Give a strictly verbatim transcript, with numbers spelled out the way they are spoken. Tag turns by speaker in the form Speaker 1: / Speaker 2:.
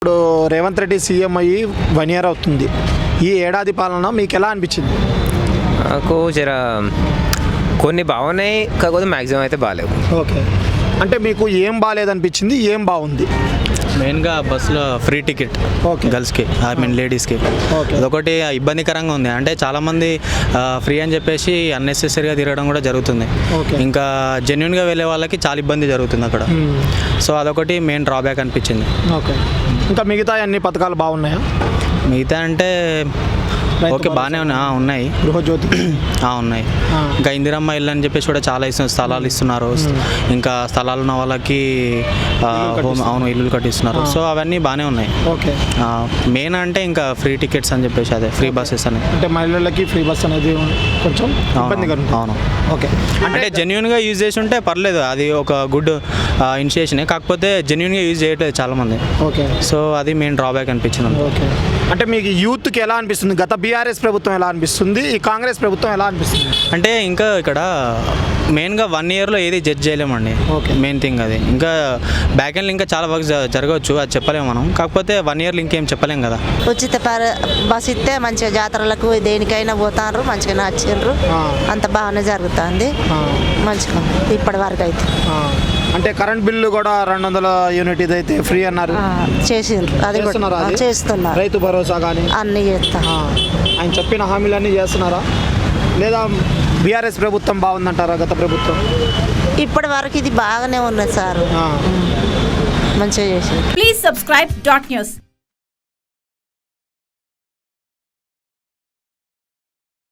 Speaker 1: ఇప్పుడు రేవంత్ రెడ్డి సీఎం అయ్యి one year అవుతుంది. ఈ ఏడాది పాలన మీకు ఎలా అనిపించింది?
Speaker 2: నాకు జర కొన్ని బాగున్నాయి, కాకపోతే మ్యాక్సిమం అయితే బాగాలేవు.
Speaker 1: ఓకే, అంటే మీకు ఏం బాగాలేదనిపించింది, ఏం బాగుంది?
Speaker 3: మెయిన్గా బస్సులో ఫ్రీ టికెట్
Speaker 1: ఓకే.
Speaker 3: గర్ల్స్కి, ఐ మీన్ లేడీస్కి,
Speaker 1: ఓకే.
Speaker 3: అదొకటి ఇబ్బందికరంగా ఉంది. అంటే చాలామంది ఫ్రీ అని చెప్పేసి అన్నెసెసరీగా తిరగడం కూడా జరుగుతుంది.
Speaker 1: ఓకే.
Speaker 3: ఇంకా జెన్యున్గా వెళ్ళే వాళ్ళకి చాలా ఇబ్బంది జరుగుతుంది అక్కడ.
Speaker 1: మ్మ్.
Speaker 3: సో అదొకటి మెయిన్ డ్రాబ్యాక్ అనిపించింది.
Speaker 1: ఓకే, ఇంకా మిగతా అన్ని పథకాలు బాగున్నాయా?
Speaker 3: మిగతా అంటే
Speaker 1: రైతు
Speaker 3: ఓకే బాగానే ఉన్నాయి. ఆ, ఉన్నాయి
Speaker 1: గృహజ్యోతి
Speaker 3: ఆ, ఉన్నాయి.
Speaker 1: ఆ.
Speaker 3: ఇంకా ఇందిరమ్మ ఇల్లు అని చెప్పేసి కూడా చాలా ఇస్తున్నారు, స్థలాలు ఇస్తున్నారు. ఇంకా స్థలాలు ఉన్న వాళ్ళకి ఆ, హోమ్ అవును ఇల్లులు కట్టిస్తున్నారు. సో అవన్నీ బాగానే ఉన్నాయి.
Speaker 1: ఓకే,
Speaker 3: మెయిన్ అంటే ఇంకా ఫ్రీ టికెట్స్ అని చెప్పేసి, అదే ఫ్రీ బస్సెస్ అని.
Speaker 1: అంటే మహిళలకి ఫ్రీ బస్ అనేది కొంచెం ఇబ్బందిగా ఉంటుంది.
Speaker 3: అవును.
Speaker 1: ఓకే,
Speaker 3: అంటే జెన్యున్గా యూజ్ చేసి ఉంటే పర్లేదు, అది ఒక గుడ్ ఇనిషియేషనే. కాకపోతే జెన్యున్గా యూజ్ చేయట్లేదు చాలామంది.
Speaker 1: ఓకే.
Speaker 3: సో అది మెయిన్ డ్రాబ్యాక్ అనిపించింది.
Speaker 1: ఓకే, అంటే మీకు యూత్కి ఎలా అనిపిస్తుంది? గత బీఆర్ఎస్ ప్రభుత్వం ఎలా అనిపిస్తుంది, ఈ కాంగ్రెస్ ప్రభుత్వం ఎలా అనిపిస్తుంది?
Speaker 3: అంటే ఇంకా ఇక్కడ మెయిన్గా వన్ ఇయర్లో ఏది జడ్జ్ చేయలేమండి.
Speaker 1: ఓకే.
Speaker 3: మెయిన్ థింగ్ అది. ఇంకా బ్యాక్ ఎండ్లో ఇంకా చాలా వర్క్ జరగవచ్చు, అది చెప్పలేము మనం. కాకపోతే వన్ ఇయర్లో ఇంకేం చెప్పలేం కదా.
Speaker 4: ఉచిత పర బస్ ఇస్తే మంచిగా జాతరలకు దేనికైనా పోతారు, మంచిగా వచ్చిండ్రు,
Speaker 1: ఆ.
Speaker 4: అంత బాగానే జరుగుతుంది.
Speaker 1: ఆ.
Speaker 4: మంచిగా ఉంది ఇప్పటి వరకు అయితే.
Speaker 1: ఆ, అంటే కరెంట్ బిల్లు కూడా రెండు వందల యూనిట్ ఇదైతే ఫ్రీ అన్నారు.
Speaker 4: ఆ, చేసిండ్రు, అది కూడా
Speaker 1: చేస్తున్నారా
Speaker 4: ఆ,
Speaker 1: అది?
Speaker 4: చేస్తున్నారు,
Speaker 1: రైతు భరోసా కానీ
Speaker 4: అన్నీ చేస్తారు.
Speaker 1: ఆయన చెప్పిన హామీలన్నీ చేస్తున్నారా, లేదా బీఆర్ఎస్ ప్రభుత్వం బాగుందంటారా గత ప్రభుత్వం?
Speaker 4: ఇప్పటి వరకు ఇది బాగానే ఉన్నది సార్,
Speaker 1: ఆ.
Speaker 4: మంచిగా చేసిండ్రు.
Speaker 5: Please subscribe dot news.